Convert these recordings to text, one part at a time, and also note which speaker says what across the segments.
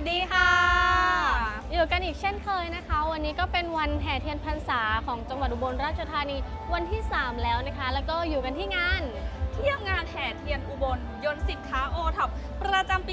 Speaker 1: สดีค่ะอยู่กันอีกเช่นเคยนะคะวันนี้ก็เป็นวันแห่เทียนพรรษาของจังหวัดอุบลราชธานีวันที่ 3 แล้วนะคะแล้วก็อยู่กันที่งาน
Speaker 2: เที่ยวงานแห่เทียนอุบลยนต์สินค้าโอท็อปประจำปี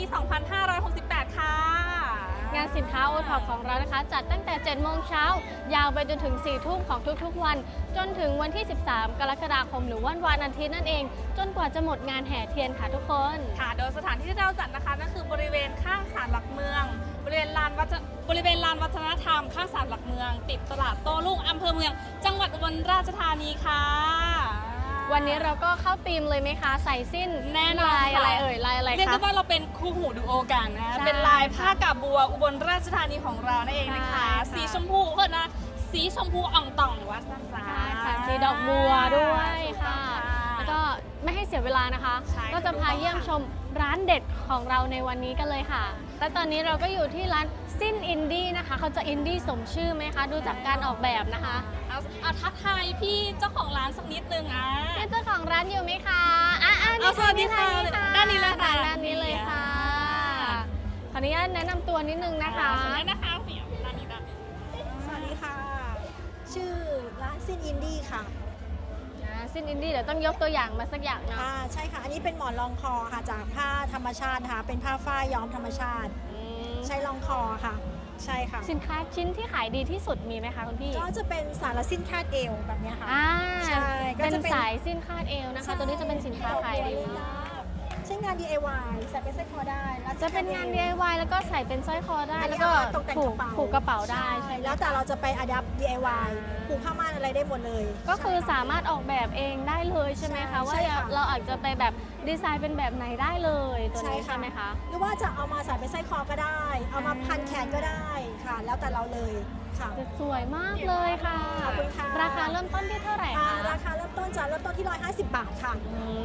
Speaker 2: 2568 ค่ะ
Speaker 1: งานสินค้าโอท็อปของเรานะคะจัดตั้งแต่ 7 โมงเช้ายาวไปจนถึง 4 ทุ่มของทุกๆวันจนถึงวันที่ 13 กรกฎาคมหรือวันอาทิตย์นั่นเองจนกว่าจะหมดงานแห่เทียนค่ะทุกคน
Speaker 2: ค่ะโดยสถานที่ที่เราจัดนะคะนั่นคือบริเวณข้างศาลหลักเมืองบริเวณลานวัฒนธรรมข้างศาลหลักเมืองติดตลาดโต้รุ่งอำเภอเมืองจังหวัดอุบลราชธานีค่ะ
Speaker 1: วันนี้เราก็เข้าธีมเลยไหมคะใส่สิ้น
Speaker 2: แน่นอน
Speaker 1: ลายอะไรเอ่ยลายอะไรคะ
Speaker 2: เรียกได้ว่าเราเป็นคู่หูดูโอกันนะเป็นลายผ้ากาบัวอุบลราชธานีของเรานั่นเองนะคะสีชมพูเพื่อนนะสีชมพูอ่องต่องวัดสันสา
Speaker 1: ค่ะสีดอกบัวด้วยค่ะแล้วก็ไม่ให้เสียเวลานะคะก็จะพาเยี่ยมชมร้านเด็ดของเราในวันนี้กันเลยค่ะและตอนนี้เราก็อยู่ที่ร้านสิ้นอินดี้นะคะเขาจะอินดี้สมชื่อไหมคะดูจากการออกแบบนะคะ
Speaker 2: เอาทักทายพี่เจ้าของร้านสักนิดนึง
Speaker 1: พี่เจ้าของร้านอยู่ไหมคะ
Speaker 2: สวัสดีค่ะด้านนี้เลยค่ะ
Speaker 1: ด้านนี้เลยค่ะขออนุญาตแนะนำตัวนิดนึงนะคะ
Speaker 2: นะคะเปี่ยมด้านนี้
Speaker 3: สวัสดีค่ะชื่อร้านสิ้นอินดี้ค่ะ
Speaker 1: สิ้นอินดี้เดี๋ยวต้องยกตัวอย่างมาสักอย่างนะ
Speaker 3: ใช่ค่ะอันนี้เป็นหมอนรองคอค่ะจากผ้าธรรมชาติค่ะเป็นผ้าฝ้ายย้อมธรรมชาติใช้รองคอค่ะใช่ค่ะ
Speaker 1: สินค้าชิ้นที่ขายดีที่สุดมีไหมคะคุณพี่
Speaker 3: ก็จะเป็นสายสิ้นคาดเอวแบบนี้ค่ะ
Speaker 1: ใช่เป็นสายสิ้นคาดเอวนะคะตัวนี้จะเป็นสินค้าขายดี
Speaker 3: ใช้งาน DIY ใส่เป็นสร้อยคอได้
Speaker 1: จะเป็นงาน DIY แล้วก็ใส่เป็นสร้อยคอได้แล้วก็ผูกกระเป๋าได้ใช่
Speaker 3: แล้วแต่เราจะไปอัดแอป DIY ผูกผ้าม่านอะไรได้หมดเลย
Speaker 1: ก็คือสามารถออกแบบเองได้เลยใช่ไหมคะว่าเราอาจจะไปแบบดีไซน์เป็นแบบไหนได้เลยตัวนี้ใช่ไหมคะ
Speaker 3: หรือว่าจะเอามาใส่เป็นสร้อยคอก็ได้เอามาพันแขนก็ได้ค่ะแล้วแต่เราเลยค่ะ
Speaker 1: สวยมากเลยค่ะราคาเริ่มต้นที่เท่าไหร่คะ
Speaker 3: ราคาเริ่มต้นที่150 บาทค่ะ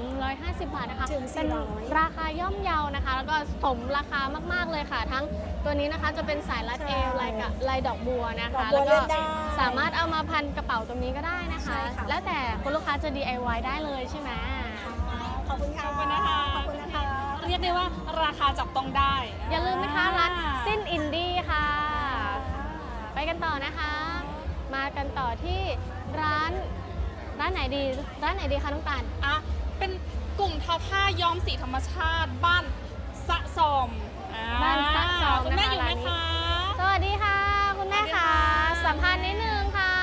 Speaker 1: 150 บาทนะคะ
Speaker 3: เป็น
Speaker 1: ราคาย่อมเยานะคะแล้วก็สมราคามากๆเลยค่ะทั้งตัวนี้นะคะจะเป็นสายรัดเอวลายดอกบัวนะคะแล้วก็สามารถเอามาพันกระเป๋าตรงนี้ก็ได้นะคะแล้วแต่คุณลูกค้าจะ DIY ได้เลยใช่ไหม
Speaker 3: ขอบคุณค่ะ
Speaker 2: ขอบคุณนะคะเรียกได้ว่าราคาจับต้องได้
Speaker 1: อย่าลืมนะคะร้านสิ้นอินดี้ค่ะไปกันต่อนะคะมากันต่อที่ร้านไหนดีคะน้องตาล
Speaker 2: เป็นกลุ่มทอผ้าย้อมสีธรรมชาติบ้านสะสม
Speaker 1: บ้านสะสม
Speaker 2: คุณแม่อยู่ไหมคะ
Speaker 1: สวัสดีค่ะคุณแม่ค่ะสัมภาษณ์นิดนึงค่ะ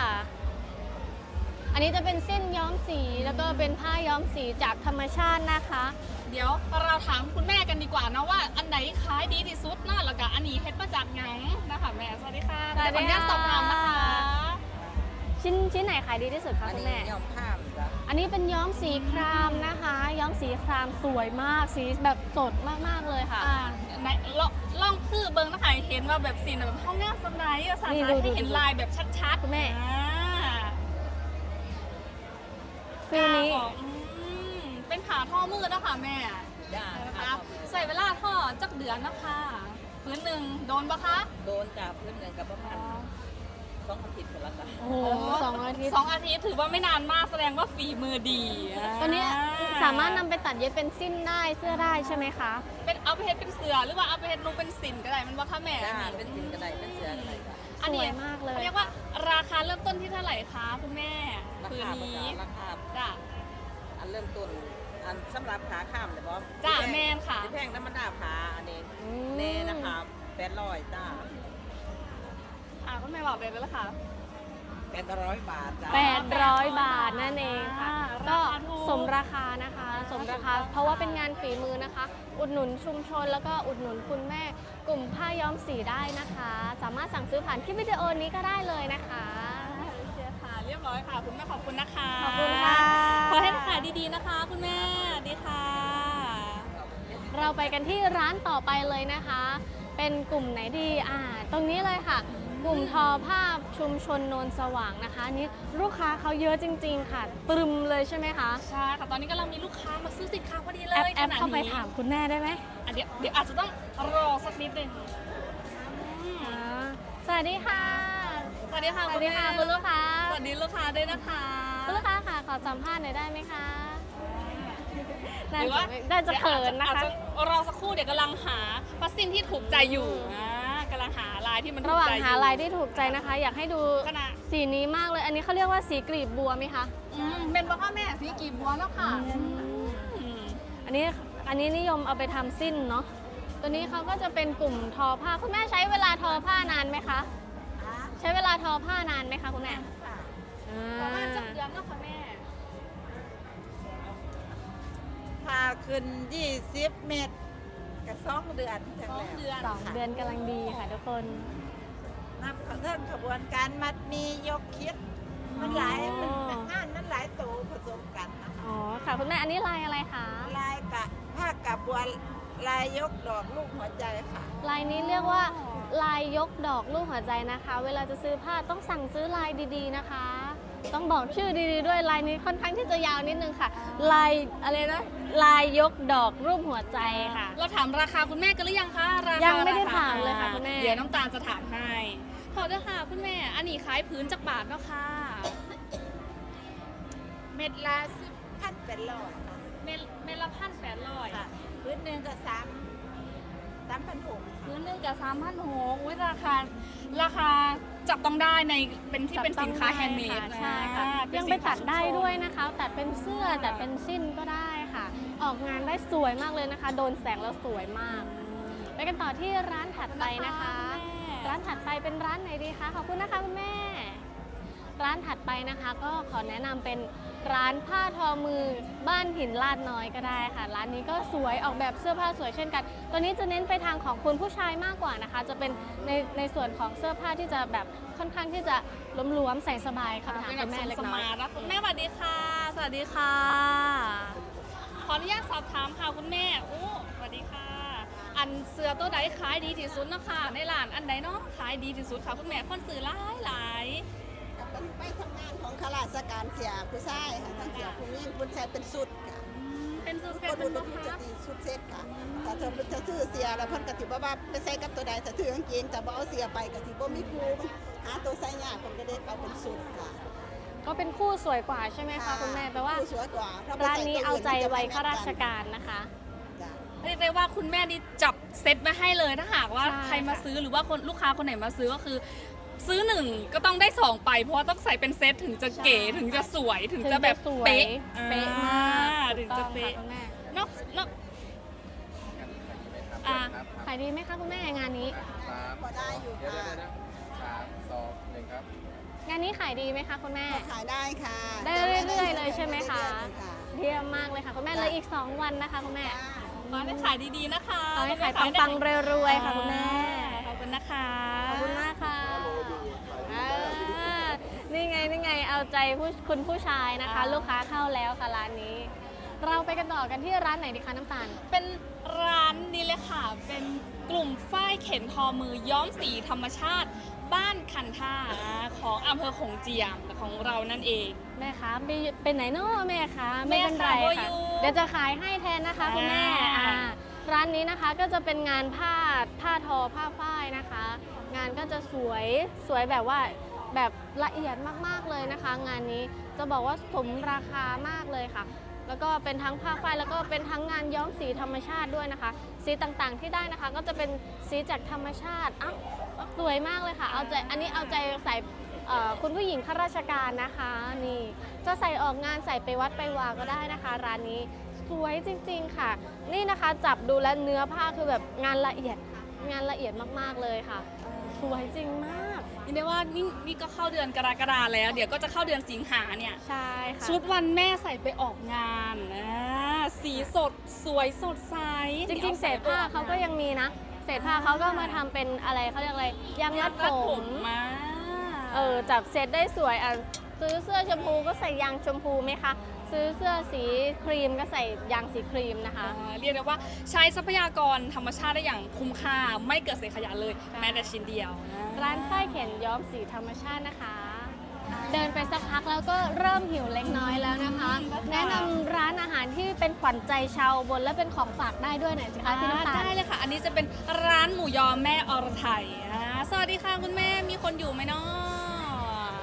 Speaker 1: อันนี้จะเป็นเส้นย้อมสีแล้วก็เป็นผ้าย้อมสีจากธรรมชาตินะคะ
Speaker 2: เดี๋ยวเราถามคุณแม่กันดีกว่านะว่าอันไหนขายดีที่สุดน่าแล้วก็อันนี้เฮ็ดมาจากหยังนะคะแม่สวัสดีค่ะ
Speaker 1: ขออนุญาต
Speaker 2: สอบถามนะคะ
Speaker 1: ชิ้นไหนขายดีที่สุดคะคุณแม่
Speaker 4: ย้อมผ้า
Speaker 1: อันนี้เป็นย้อมสีครามนะคะย้อมสีครามสวยมากสีแบบสดมากๆเลยค่ะ
Speaker 2: ลองคือเบิ้งนะคะเห็นว่าแบบสีแบบห้องน้ำสไลด์สาธิตให้เห็นลายแบบชัดๆ
Speaker 1: คุณแม่ฟิลนี้
Speaker 2: เป็นผ่าท่อมือนะคะแม่นะคะใส่เวลาท่อจักเดือนนะคะพื้นหนึ่งโดนปะคะ
Speaker 4: โดนจากพื้นหนึ่งกับประมาณ2 อาทิตย์คนละกัน
Speaker 1: โอ้โห2 อาทิตย์
Speaker 2: 2 อาทิตย์ถือว่าไม่นานมากแสดงว่าฝีมือดี
Speaker 1: ตัวนี้สามารถนำไปตัดเย็บเป็นสิ้นได้เสื้อได้ใช่ไหมคะ
Speaker 2: เป็นเอาไปเฮ็ดเป็นเสื้อหรือว่าเอาไปเฮ็ดนุ่งเป็นสินก็ได้มันว่าค่ะแม่
Speaker 4: เป็นสินก็ได้เป็นเสื้อก็ได้
Speaker 1: อันนี้มากเลย
Speaker 2: เรียกว่าราคาเริ่มต้นที่เท่าไหร่คะคุณแม่
Speaker 4: พื้นนี้ราคา
Speaker 2: จ้ะ
Speaker 4: อันเริ่มต้นอันสำหรับขาข้ามเลยบอส
Speaker 2: จ้าแม่ค่ะ
Speaker 4: แพงธรรมดาขาอันนี้เน่นะคะ800จ้า
Speaker 2: คุณแม่บอกเลยแล้วค่ะ
Speaker 4: 800 บาทจ้า
Speaker 1: 800 บาทนั่นเองค่ะก็สมราคานะคะสมราคาเพราะว่าเป็นงานฝีมือนะคะอุดหนุนชุมชนแล้วก็อุดหนุนคุณแม่กลุ่มผ้าย้อมสีได้นะคะสามารถสั่งซื้อผ่านคลิปวิดีโอนี้ก็ได้เลยนะคะ
Speaker 2: ค่ะเรียบร้อยค่ะคุณแม่ขอบคุณนะคะ
Speaker 1: ขอบคุณค่ะ
Speaker 2: ขอให้ขายดีๆนะคะคุณแม่ดีค่ะ
Speaker 1: เราไปกันที่ร้านต่อไปเลยนะคะเป็นกลุ่มไหนดีตรงนี้เลยค่ะกลุ่มทอผ้าชุมชนโนนสว่างนะคะนี้ลูกค้าเขาเยอะจริงๆค่ะตรึมเลยใช่ไหมคะ
Speaker 2: ใช่ค่ะตอนนี้กำลังมีลูกค้ามาซื้อสินค้าพอดีเลย
Speaker 1: แอปเข้าไปถามคุณแม่ได้ไหม
Speaker 2: เดี๋ยวอาจจะต้องรอสักนิดนึง
Speaker 1: สวัสดีค่ะ
Speaker 2: สวัสดีค่ะ
Speaker 1: คุณลูกค้า
Speaker 2: สวัสดีลูกค้าด้วยนะคะ
Speaker 1: คุณลูกค้าค่ะขอสัมภาษณ์หน่อยได้ไหมคะน่าจะเขินนะคะ
Speaker 2: อาจจะรอสักครู่เดี๋ยวกำลังหาพัสซินที่ถูกใจอยู่กำลังหาลายที่มันถู
Speaker 1: ระ
Speaker 2: ก
Speaker 1: หว่าง
Speaker 2: ใจอยู่
Speaker 1: หาลายที่ถูกใจนะคะ อยากให้ดู
Speaker 2: ขนาด
Speaker 1: สีนี้มากเลย อันนี้เขาเรียกว่าสีกลีบบัวไหมคะ
Speaker 2: เป็นพ่อแม่สีกีบบัวแล้วค่ะ
Speaker 1: อันนี้นิยมเอาไปทำสิ้นเนาะ ตัวนี้เขาก็จะเป็นกลุ่มทอผ้า คุณแม่ใช้เวลาทอผ้านานไหมคะ ใช้เวลาทอผ้านานไหมคะคุณแม่
Speaker 2: ประมาณจะเดือนแล้วค่ะแม่
Speaker 4: พาขึ้น 20 เมตรกับ2 เดือนจัง
Speaker 2: 2 เดือน
Speaker 1: สองเดือนกำลังดีค่ะทุกคน
Speaker 4: นับเรื่องขบวนการมัดมียกคิด มันหลายมันงานมันหลายตัวผสมกันนะคะ
Speaker 1: อ๋อค่ะคุณแม่ อันนี้ลายอะไรคะ
Speaker 4: ลายกะผ้ากับบัวลายยกดอกลูกหัวใจค่ะ
Speaker 1: ลายนี้เรียกว่าลายยกดอกลูกหัวใจนะคะ เวลาจะซื้อผ้าต้องสั่งซื้อลายดีๆนะคะ ต้องบอกชื่อดีๆด้วยลายนี้ค่อนข้างที่จะยาวนิดนึงค่ะ ลายอะไรนะลายยกดอกรูปหัวใจค่ะ
Speaker 2: เราถามราคาคุณแม่กันหรือยังคะราคา
Speaker 1: ยังไม่ได้
Speaker 2: รค
Speaker 1: ถามเลยค่ะคุณแม่
Speaker 2: เดี๋ยวน้ำตาลจะถามให้ขอเด้อค่ะคุณแม่ อันนี้ขายพื้นจากบาทเนาะค่ะ
Speaker 4: เม็ดละ10,000เป็นร้อยค่ะ
Speaker 2: เมตรละ1,800
Speaker 4: ค่ะพื้นหนึ่งก็3,600ค่ะ
Speaker 2: พื้นหนึงกับ3,600อุ้ยราคาจับต้องได้ในเป็นที่เป็นสินค้าแฮนด์เมด
Speaker 1: ใช่ค่ะยังไปตัดได้ด้วยนะคะตัดเป็นเสื้อตัดเป็นสิ้นก็ได้ค่ะ ออกงานได้สวยมากเลยนะคะ โดนแสงแล้วสวยมาก ไปกันต่อที่ร้านถัดไปนะคะ ร้านถัดไปเป็นร้านไหนดีคะ ขอบคุณนะคะคุณแม่ ร้านถัดไปนะคะก็ขอแนะนำเป็นร้านผ้าทอมือบ้านหินลาดน้อยก็ได้ค่ะ ร้านนี้ก็สวยออกแบบเสื้อผ้าสวยเช่นกัน ตัวนี้จะเน้นไปทางของคุณผู้ชายมากกว่านะคะ จะเป็นในส่วนของเสื้อผ้าที่จะแบบค่อนข้างที่จะหลวมๆใส่สบายค่ะถามคุณแม่เล็กน้อย
Speaker 2: คุณแม่สวัสดีค่ะ สวัสดีค่ะ ขออนุญาตสอบถามค่ะคุณแม่โอ้สวัสดีค่ะ อันเสื้อตัวใดขายดีที่สุดเนาะค่ะในร้านอันใดเนาะขายดีที่สุดค่ะคุณแม่คนซื้อหลาย
Speaker 5: เป็นไปทำงานของข้าราชการเสียผู้ชายค่ะทั้งเสียผู้หญิงผู้ชายเป็นสุดค่ะ
Speaker 2: เป็นสุดเซ็
Speaker 5: ค
Speaker 2: ต
Speaker 5: น
Speaker 2: เป็
Speaker 5: อุ
Speaker 2: น
Speaker 5: ด
Speaker 2: บ่
Speaker 5: มจะ
Speaker 2: คะ
Speaker 5: ตีสุดเซ็ตค่ะถ้าเธอจะซื้อเสียแล้วเพิ่นก็สิบ่ว่าไปใส่กับตัวใดถ้าถือกางเกงแต่บ่เอาเสียไปก็สิบ่มีครูมันหาตัวใส่ยากเพิ่นก็ได้เอาเป็นสุดค่ะ
Speaker 1: ก็เป็นคู่สวยกว่าใช่ไหมคะคุณแม่แปลว่า
Speaker 5: ผู้สวยกว่าถ้ไป
Speaker 1: ร้าน
Speaker 5: ใส่
Speaker 1: นี้
Speaker 5: ตัว
Speaker 1: เอา
Speaker 5: น
Speaker 1: ใจ
Speaker 5: มันจะ
Speaker 1: ไว้
Speaker 5: ไม่
Speaker 1: ข้าราช
Speaker 5: แมทน
Speaker 1: การนะคะ
Speaker 5: จ้ะ
Speaker 2: เรียกได้ว่าคุณแม่นี่จับเซ็ตมาให้เลยถ้าหากว่า
Speaker 1: ใช่
Speaker 2: ใครมา
Speaker 1: ค่ะ
Speaker 2: ซื้อหรือว่าคนลูกค้าคนไหนมาซื้อก็คือ ซื้อหนึ่งก็ต้องได้สองไป เพราะว่าต้องใส่เป็นเซตถึงจะเก๋ถึงจะสวยถึงจะแบบ
Speaker 1: สวย
Speaker 2: เป๊ะ
Speaker 1: เป๊ะมาก
Speaker 2: ถึงจะเป๊ะ
Speaker 1: ถูกต้องค่ะคุณแม่
Speaker 2: นอกอ่า
Speaker 1: ขายดีไหมคะคุณแม่งานนี้
Speaker 5: พอได้อยู่ค่ะ
Speaker 6: 3 2 1 ครับ
Speaker 1: งานนี้ขายดีไหมคะคุณแม่
Speaker 5: ก็ขายได้ค่ะ
Speaker 1: ได้เรื่อยๆเลยใช่ไหมคะ
Speaker 5: เรื่อยๆค่ะ
Speaker 1: เยี่ยมมากเลยค่ะคุณแม่เหลยอีก 2 วันนะคะคุณแม่
Speaker 2: ขอให้ขายดีๆนะคะ
Speaker 1: ขอให้ขายปังๆรวยๆค่ะคุณแม่
Speaker 2: ขอบคุณนะคะ
Speaker 1: ขอบคุณมากค่ะอ่านี่ไงเอาใจคุณผู้ชายนะคะ ลูกค้าเข้าแล้วค่ะร้านนี้ เราไปกันต่อกันที่ร้านไหนดีคะน้ำตาล
Speaker 2: เป็นร้านนี้เลยค่ะ เป็นกลุ่มฝ้ายเข็นทอมือย้อมสีธรรมชาติบ้านคันท่าของอำเภอโขงเจียมของเรานั่นเอง
Speaker 1: แม่คะเป็นไหนเนาะแม่คะไม่เป็นไร
Speaker 2: แม่คะ
Speaker 1: ค่ะ
Speaker 2: อยู่
Speaker 1: เดี๋ยวจะขายให้แทนนะคะคุณแม่
Speaker 2: อ่า
Speaker 1: ร้านนี้นะคะก็จะเป็นงานผ้าทอผ้าฝ้ายนะคะ งานก็จะสวยแบบว่าแบบละเอียดมากๆเลยนะคะ งานนี้จะบอกว่าสมราคามากเลยค่ะ แล้วก็เป็นทั้งผ้าฝ้ายแล้วก็เป็นทั้งงานย้อมสีธรรมชาติด้วยนะคะ สีต่างๆที่ได้นะคะ ก็จะเป็นสีจากธรรมชาติอ้าวสวยมากเลยค่ะเอาใจอันนี้เอาใจใส่คุณผู้หญิงข้าราชการนะคะนี่จะใส่ออกงานใส่ไปวัดไปวาก็ได้นะคะ ร้านนี้สวยจริง ๆค่ะ นี่นะคะจับดูแล้วเนื้อผ้าคือแบบงานละเอียดมากๆเลยค่ะ สวยจริงมาก
Speaker 2: ยินดีว่านี่ก็เข้าเดือนกรกฎาแล้ว เดี๋ยวก็จะเข้าเดือนสิงหาเนี่ย
Speaker 1: ใช่ค่ะ
Speaker 2: ชุดวันแม่ใส่ไปออกงานสีสดสวยสดใส
Speaker 1: จริงๆเศษผ้าเขาก็ยังมีนะ เศษผ้าเขาก็มาทำเป็นอะไรเขาเรียกอะไรยางรัดผม
Speaker 2: มา
Speaker 1: จับเซตได้สวยซื้อเสื้อชมพูก็ใส่ยางชมพูไหมคะ ซื้อเสื้อสีครีมก็ใส่ยางสีครีมนะคะ
Speaker 2: เรียกได้ว่าใช้ทรัพยากรธรรมชาติได้อย่างคุ้มค่าไม่เกิดเศษขยะเลย แม้แต่ชิ้นเดียว
Speaker 1: ร้านฝ้ายเข็นย้อมสีธรรมชาตินะคะ เดินไปสักพักแล้วก็เริ่มหิวเล็กน้อยแล้วนะคะ แนะนำร้านอาหารที่เป็นขวัญใจชาวอุบนและเป็นของฝากได้ด้วยหน่อยสิคะพี่น้ำตาล
Speaker 2: ได้เลยค่ะ อันนี้จะเป็นร้านหมูยอแม่อรไทยสวัสดีค่ะคุณแม่มีคนอยู่ไหมเนาะ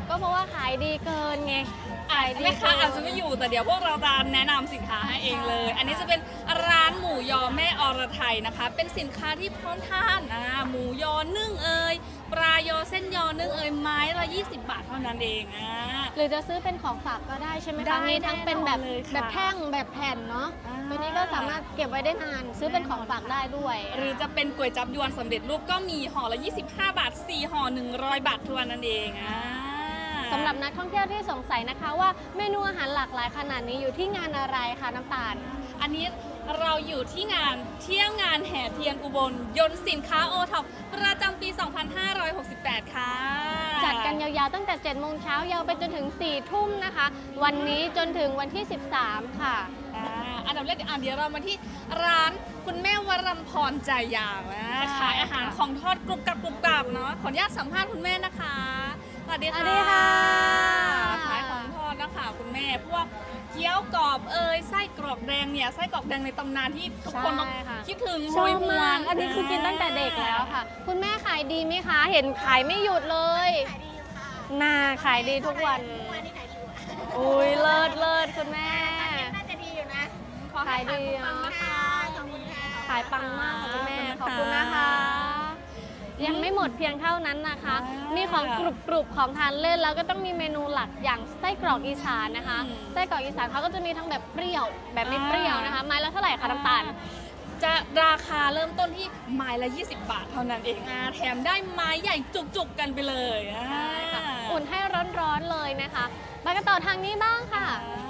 Speaker 1: ก็เพราะว่าขายดีเกินไงขายดี
Speaker 2: แม่ค้า
Speaker 1: เกิน
Speaker 2: อาจจะไม่อยู่แต่เดี๋ยวพวกเราจะแนะนำสินค้าให้เองเลย อันนี้จะเป็นร้านหมูยอแม่อรไทยนะคะ เป็นสินค้าที่พร้อมทานหมูยอนึ่งเอ่ยปลายอเส้นยอนึ่งเอ่ยไม้ละ20 บาทเท่านั้นเอง
Speaker 1: หรือจะซื้อเป็นของฝากก็ได้ใช่ไหม
Speaker 2: ได้
Speaker 1: คะมีทั้งเป็นแบบ
Speaker 2: แน่นอนเลยค่ะ
Speaker 1: แบบแท่งแบบแผ่นเนาะ
Speaker 2: อ่า
Speaker 1: ตัวนี้ก็สามารถเก็บไว้ได้นานซื้อเป็นของฝากได้ด้วย
Speaker 2: หรือจะเป็นก๋วยจั๊บยวนสำเร็จรูปก็มีห่อละ25 บาท4ห่อ100 บาททวนนั่นเอง
Speaker 1: สำหรับนักท่องเที่ยวที่สงสัยนะคะว่าเมนูอาหารหลากหลายขนาดนี้อยู่ที่งานอะไรคะน้ำตาล
Speaker 2: อันนี้เราอยู่ที่งานเที่ยวงานแห่เทียนอุบลยนต์สินค้าโอท็อปประจำปี 2568 ค่ะ
Speaker 1: จัดกันยาวๆตั้งแต่ 7 โมงเช้ายาวไปจนถึง 4 ทุ่มนะคะ วันนี้จนถึงวันที่ 13 ค่ะ
Speaker 2: อันดับแรกเดี๋ยวเรามาที่ร้านคุณแม่วรัมพรใจยาวขายอาหารของทอดกรุบกรับเนาะขออนุญาตสัมภาษณ์คุณแม่นะคะสวัสดี
Speaker 1: สวัสดีค่ะ
Speaker 2: ขายของทอดนะคะคุณแม่พวกเกี๊ยวกรอบไส้กรอกแดงเนี่ยไส้กรอกแดงในตำนานที่ทุกคนต้อง
Speaker 1: ใช่ค่ะ
Speaker 2: คิดถึง
Speaker 1: ชอบ
Speaker 2: ห
Speaker 1: มาก
Speaker 2: วน
Speaker 1: อันนี้คือกินตั้งแต่เด็กแล้วค่ะ คุณแม่ขายดีไหมคะ เห็นขายไม่หยุดเลย
Speaker 5: ขายดีอยู่ค่ะ
Speaker 1: น่าขายดีทุกวัน
Speaker 5: วันนี้ขายดีอยู่อะ
Speaker 1: อุ้ยเลิศคุณแม่
Speaker 5: น่าจะดีอยู่นะ
Speaker 1: ขายดี
Speaker 5: ขอบ
Speaker 1: เนาะ
Speaker 5: คุณค่ะขอบคุณค่ะ
Speaker 1: ขายปังมากค่ะคุณแม่ ขอบคุณนะคะ ยังไม่หมดเพียงเท่านั้นนะคะ มีของกรุบๆของทานเล่นแล้วก็ต้องมีเมนูหลักอย่างไส้กรอกอีสานนะคะ ไส้กรอกอีสานเขาก็จะมีทั้งแบบเปรี้ยว แบบไม่เปรี้ยวนะคะ ไม้ละเท่าไหร่คะน้ำตาล
Speaker 2: จะราคาเริ่มต้นที่ไม้ละ20 บาทเท่านั้นเองแถมได้ไม้ใหญ่จุกๆกันไปเลย
Speaker 1: อุ่นให้ร้อนๆเลยนะคะไปกันต่อทางนี้บ้างค่ะ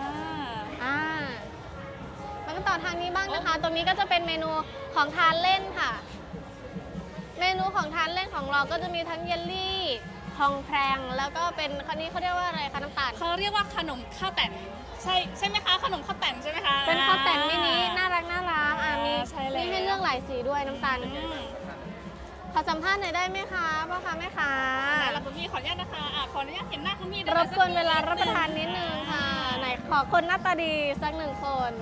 Speaker 1: ไปกันต่อทางนี้บ้างนะคะ ตรงนี้ก็จะเป็นเมนูของทานเล่นค่ะ เมนูของทานเล่นของเราก็จะมีทั้งเยลลี่ทองแพรงแล้วก็เป็นคันนี้เขาเรียกว่าอะไรคะน้ำตาล
Speaker 2: เขาเรียกว่าขนมข้าวแต่นใช่ไหมคะขนมข้าวแต่นใช่ไหมคะ
Speaker 1: เป็นข้าวแต่นมินิน่ารักมี
Speaker 2: ใช่แล้ว
Speaker 1: มีให้เลือกหลายสีด้วยน้ำตาลขอสัมภาษณ์หน่อยได้ไหมคะพ่อค้าแม่ค้า
Speaker 2: แล้วคุณพี่ขออนุญาตนะคะขออนุญาตเห็นหน้าคุณพี่
Speaker 1: รบกวนเวลารับประทานนิดนึงค่ะไหนขอคนหน้าตาดีสักหนึ่งคน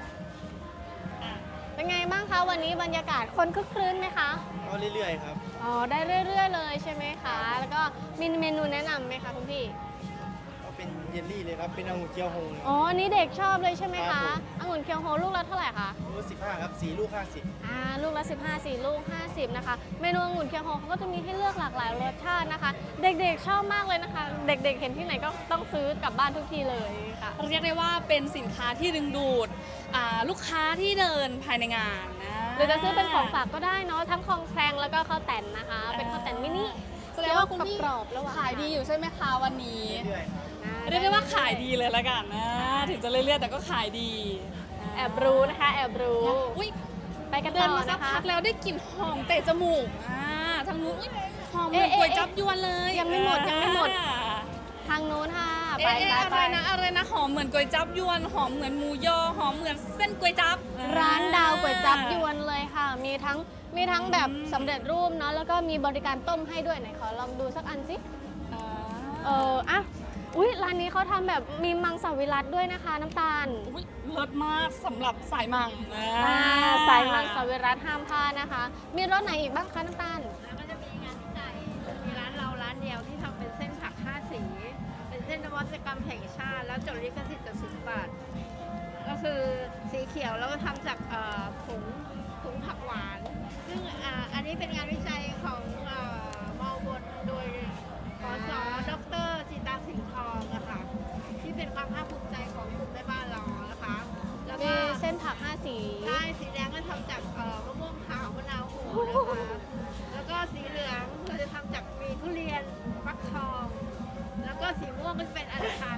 Speaker 1: เป็นไงบ้างคะวันนี้บรรยากาศคนคึกครื้นไหมคะ
Speaker 6: ก็เรื่อยๆครับ
Speaker 1: อ๋อได้เรื่อยๆเลยใช่ไหมคะแล้วก็มีเมนูแนะนำไหมคะคุณพี่
Speaker 6: ก็เป็นเยลลี่เลยครับ เป็นองุ่นเกี๊ยวโฮง
Speaker 1: อ๋ออันนี้เด็กชอบเลยใช่ไหม
Speaker 6: ครั
Speaker 1: คะ
Speaker 6: บผม
Speaker 1: องุ่นเคียวโฮลูกละเท่าไหร่คะ
Speaker 6: ลูก15ครับ4ลูก50
Speaker 1: ลูกละ15 4ลูก50นะคะเมนูองุ่นเคียวโฮเขาก็จะมีให้เลือกหลากหลายรสชาตินะคะ เด็กๆชอบมากเลยนะคะ เด็กๆเห็นที่ไหนก็ต้องซื้อกลับบ้านทุกทีเลยค่ะ
Speaker 2: เรียกได้ว่าเป็นสินค้าที่ดึงดูดลูกค้าที่เดินภายในงานนะ
Speaker 1: หรือจะซื้อเป็นของฝากก็ได้เนาะทั้งของแพรงแล้วก็ข้าวแต่นนะคะ เป็นข้าวแต่นมินิ
Speaker 2: แสดงว่าคุณพี่
Speaker 1: กรอบๆแล้วหวาน
Speaker 2: ขายดีอยู่ใช่ไหมคะวันนี้
Speaker 6: เรื่อยๆครับ
Speaker 2: เรียกได้ว่าขายดีเลยละกันนะถึงจะเรื่อยๆแต่ก็ขายดี
Speaker 1: แอบรู้นะคะแอบรู้
Speaker 2: อุ้ย
Speaker 1: ไปกัน
Speaker 2: เดิ
Speaker 1: ต่
Speaker 2: น
Speaker 1: อ
Speaker 2: มาสัก
Speaker 1: นะคะ
Speaker 2: พักแล้วได้กลิ่นหอมเตะจมูกทางนู้นอุ๊ยหอมเหมือน
Speaker 1: เอ๊ะ
Speaker 2: ก๋วยจั๊บยวนเลย
Speaker 1: ยังไม่หมดยังไม่หมด ทางนู้นค่ะไป
Speaker 2: อะไรนะหอมเหมือนก๋วยจั๊บยวนหอมเหมือนหมูยอหอมเหมือนเส้นก๋วยจั๊บ
Speaker 1: ร้านดาวก๋วยจั๊บยวนเลยค่ะ มีทั้งแบบสำเร็จรูปเนาะแล้วก็มีบริการต้มให้ด้วยไหนขอลองดูสักอันสิอุ๊ยร้านนี้เขาทำแบบมีมังสวิรัติด้วยนะคะน้ำตาล
Speaker 2: อุ๊ยเลิศมากสำหรับสายมัง
Speaker 1: สายมังสวิรัติห้ามพลาดนะคะ มีรสไหนอีกบ้างคะน้ำตาล
Speaker 7: แล้วก็จะมีงานวิจัยมีร้านเราร้านเดียวที่ทำเป็นเส้นผัก5 สี เป็นเส้นนวัตกรรมแห่งชาติ แล้วจดลิขสิทธิ์จาก10 บาท ก็คือสีเขียวแล้วก็ทำจากผงผักหวาน ซึ่งอันนี้เป็นงานวิจัยของมอบนโดยปสดรจิตาสิงห์ทองอะค่ะที่เป็นความภาคภูมิใจของกลุ่มแม่บ้านเรานะคะแล้ว
Speaker 1: มี
Speaker 7: ก็
Speaker 1: เส้นผัก5 สี
Speaker 7: ใช่สีแดงก็ทำจากมะม่วงขาวมะนาวโหนะคะ แล้วก็สีเหลืองเราจะทำจากมีทุเรียนฟักทอง แล้วก็สีม่วงก็จะเป็นอัญชัน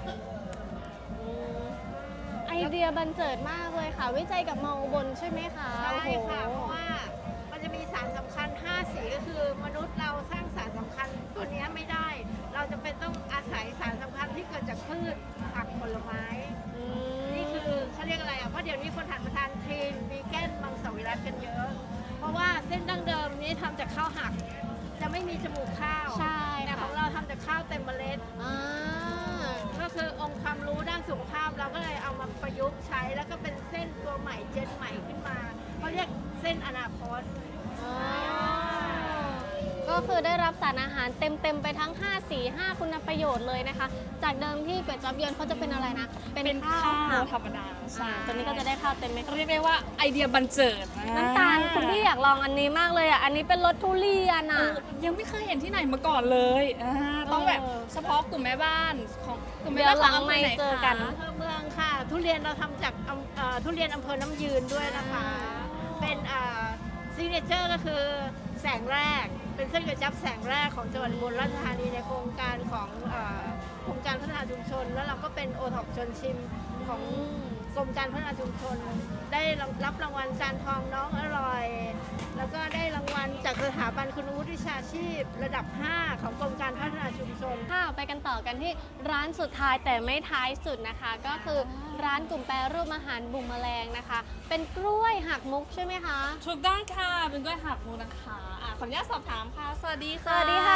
Speaker 1: ไอเดียบันเจิดมากเลยค่ะ วิจัยกับมออุบลใช่ไหมคะ
Speaker 7: ใช่ค่ะ
Speaker 1: โอ้
Speaker 7: เพ
Speaker 1: โห
Speaker 7: ราะว่ามันจะมีสารสำคัญ5 สีก็คือมนุษย์เราสร้างสารสำคัญตัวนี้ไม่ได้ เราจะเป็นต้องอาศัยสารสำคัญที่เกิดจากพืชผักผลไม้ นี่คือเขาเรียกอะไรอ่ะ เพราะเดี๋ยวนี้คนหันมาทานคลีนวีแกนมังสวิรัติกันเยอะ เพราะว่าเส้นดั้งเดิมนี้ทำจากข้าวหัก จะไม่มีจมูกข้าว
Speaker 1: ใช่
Speaker 7: แต่ข
Speaker 1: ค่ะ
Speaker 7: องเราทำจากข้าวเต็มเมล็ด ก็คือองค์ความรู้ด้านสุขภาพเราก็เลยเอามาประยุกต์ใช้แล้วก็เป็นเส้นตัวใหม่เจนใหม่ขึ้นมาเขาเรียกเส้นอนาคต
Speaker 1: ก็ก็คือได้รับสารอาหารเต็มๆไปทั้ง5สี5คุณประโยชน์เลยนะคะ จากเดิมที่ก๋วยจั๊บยวนเขาจะเป็นอะไรนะ
Speaker 2: เป็นข้าวธรรมดาใช่
Speaker 1: ตัวนี้ก็จะได้ข้าวเต็มเม็ด
Speaker 2: เรียกได้ว่าไอเดียบันเจิด
Speaker 1: น้ำตาลคุณพี่อยากลองอันนี้มากเลยอ่ะ อันนี้เป็นรสทุเรียน
Speaker 2: เอ
Speaker 1: อ่ะ
Speaker 2: อยังไม่เคยเห็นที่ไหนมาก่อนเลยต้องแบบ
Speaker 1: เออ
Speaker 2: เฉพาะกลุ่มแม่บ้านของกลุ่มแม่
Speaker 1: เดี๋ยว
Speaker 2: บ้าน
Speaker 1: หลังไม่เจอกัน
Speaker 7: อำเภอเมืองค่ะ ทุเรียนเราทำจากทุเรียนอำเภอน้ำยืนด้วยนะคะ เป็นซิกเนเจอร์ก็คือแสงแรก เป็นเส้นก๋วยจั๊บแสงแรกของจังหวัดอุบลราชธานีในโครงการของโครงการพัฒนาชุมชน แล้วเราก็เป็นโอท็อปชวนชิมของกรมการพัฒนาชุมชน ได้รับรางวัลจานทองน้องอร่อย แล้วก็ได้รางวัลจากสถาบันคุณวุฒิวิชาชีพ ระดับ 5 ของกรมการพัฒนาชุมชน
Speaker 1: ค่ะไปกันต่อกันที่ร้านสุดท้ายแต่ไม่ท้ายสุดนะคะ ก็คือร้านกลุ่มแปรรูปอาหารบุ่มแมลงนะคะ เป็นกล้วยหักมุกใช่ไหมคะ
Speaker 2: ถูกต้องค่ะเป็นกล้วยหักมุกนะคะขออนุญาตสอบถามค่ะ สวัสดี
Speaker 1: ส
Speaker 2: ค่ะ
Speaker 1: วัสดีค่ะ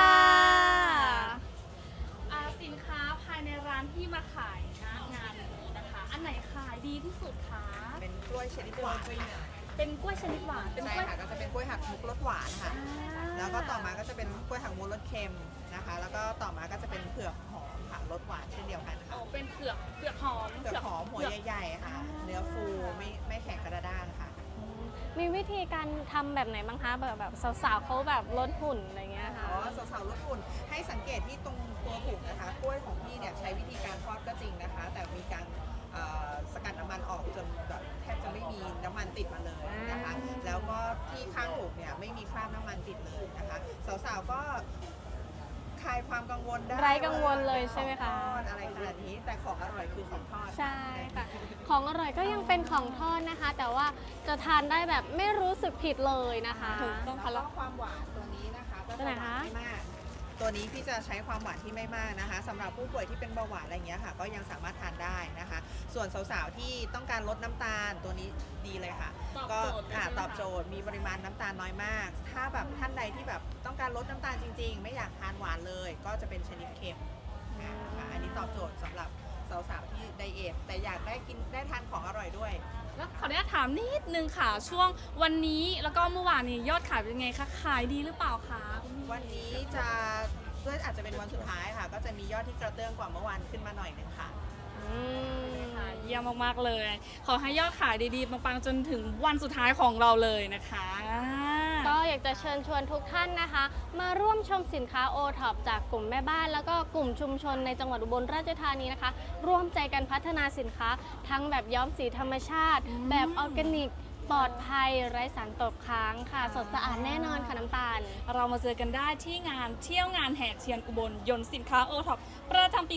Speaker 2: สินค้าภายในร้านที่มาขายณงานนี้นะคะ อันไหนขายดีที่สุดคะ
Speaker 8: เป็นกล้วยชนิดหวานค่ะ
Speaker 2: เป็นกล้วยชนิดหวานเป็น
Speaker 8: ใช่
Speaker 2: กล้วย
Speaker 8: ค่ะ ก็จะเป็นกล้วยหักมุกรสหวานค่ะ แล้วก็ต่อมาก็จะเป็นกล้วยหักมุกรสเค็มนะคะ แล้วก็ต่อมาก็จะเป็นเผือกหอมค่ะรสหวานเช่นเดียวกัน
Speaker 2: อ๋
Speaker 8: ค่ะ
Speaker 2: อเป็นเผือกหอม
Speaker 8: เผือกหอมหัวใหญ่ๆค่ะ เนื้อฟูไม่แข็งกระด้างค่ะ
Speaker 1: มีวิธีการทำแบบไหนบ้างคะแบบสาวๆเขาแบบลดหุ่นอะไรเงี้ยค่ะ
Speaker 8: อ๋อสาวๆรสอุ่นให้สังเกตที่ตรงตัวผุกนะคะ กล้วยของพี่เนี่ยใช้วิธีการทอดก็จริงนะคะ แต่มีการสกัดน้ำมันออกจนแบบแทบจะไม่มีน้ำมันติดมาเลยนะคะ แล้วก็ที่ข้างผุกเนี่ยไม่มีคราบน้ำมันติดเลยนะคะ สาวๆก็คลายความกังวลได้
Speaker 1: ไร้กังวลเลยใช่ไหมคะ
Speaker 8: ของทอดอะไรขนาดนี้ แต่ของอร่อยคือของทอด
Speaker 1: ใช่ค่ะ ของอร่อยก็ยังเป็นของทอดนะคะ แต่ว่าจะทานได้แบบไม่รู้สึกผิดเลยนะคะ
Speaker 2: ถูกต้องค่ะ
Speaker 8: แล้วก็ความหวานตัวนี้นะคะก็
Speaker 1: ตัว
Speaker 8: จะ
Speaker 1: ไหน
Speaker 8: หวา
Speaker 1: คะ
Speaker 8: นไม่มาก ตัวนี้พี่จะใช้ความหวานที่ไม่มากนะคะสำหรับผู้ป่วยที่เป็นเบาหวานอะไรเงี้ยค่ะ ก็ยังสามารถทานได้นะคะ ส่วนสาวๆที่ต้องการลดน้ำตาลตัวนี้ดีเลยค่ะ ก็ตอบโจทย์มีปริมาณน้ำตาลน้อยมาก ถ้าแบบท่านใดที่แบบต้องการลดน้ำตาลจริงๆ ไม่อยากทานหวานเลย ก็จะเป็นชนิดเค็มนะคะอันนี้ตอบโจทย์สำหรับสาวๆที่ไดเอทแต่อยากได้ทานของอร่อยด้วย
Speaker 2: แล้วขออนุญาตถามนิดนึงค่ะ ช่วงวันนี้แล้วก็เมื่อวานนี้ยอดขายเป็นยังไงคะ ขายดีหรือเปล่าคะคุณพี่
Speaker 8: วันนี้จะด้วยอาจจะเป็นวันสุดท้ายค่ะ ก็จะมียอดที่กระเตื้องกว่าเมื่อวานขึ้นมาหน่อยนึงค่ะ
Speaker 1: อืม
Speaker 2: ค่ะเยี่ยมมากๆเลย ขอให้ยอดขายดีๆปังๆจนถึงวันสุดท้ายของเราเลยนะคะ
Speaker 1: ก็อยากจะเชิญชวนทุกท่านนะคะ มาร่วมชมสินค้าโอท็อปจากกลุ่มแม่บ้าน แล้วก็กลุ่มชุมชนในจังหวัดอุบลราชธานีนะคะ ร่วมใจกันพัฒนาสินค้า ทั้งแบบย้อมสีธรรมชาติ แบบออร์แกนิก ปลอดภัย ไร้สารตกค้างค่ะ สดสะอาดแน่นอนค่ะน้ำตาล
Speaker 2: เรามาเจอกันได้ที่งานเที่ยวงานแห่เทียนอุบลยนต์สินค้าโอท็อปประจำปี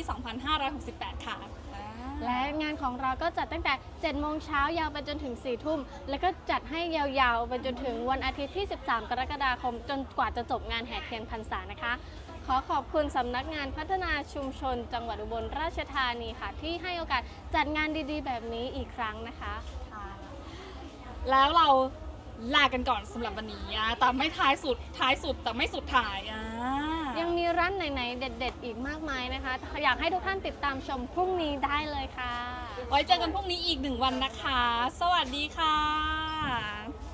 Speaker 2: 2568 ค่ะ
Speaker 1: และงานของเราก็จัดตั้งแต่ 7 โมงเช้ายาวไปจนถึง 4 ทุ่ม แล้วก็จัดให้ยาวๆ ไปจนถึงวันอาทิตย์ที่ 13 กรกฎาคม จนกว่าจะจบงานแห่เทียนพรรษานะคะ ขอขอบคุณสำนักงานพัฒนาชุมชน จังหวัดอุบลราชธานีค่ะ ที่ให้โอกาสจัดงานดีๆ แบบนี้อีกครั้งนะคะ
Speaker 2: แล้วเราลากันก่อนสำหรับวันนี้แต่ไม่ท้ายสุดแต่ไม่สุดท้าย
Speaker 1: ยังมีร้านไหนๆ เด็ดๆ อีกมากมายนะคะ อยากให้ทุกท่านติดตามชมพรุ่งนี้ได้เลยค่ะ
Speaker 2: ไว้เจอกันพรุ่งนี้อีก1 วันนะคะ สวัสดีค่ะ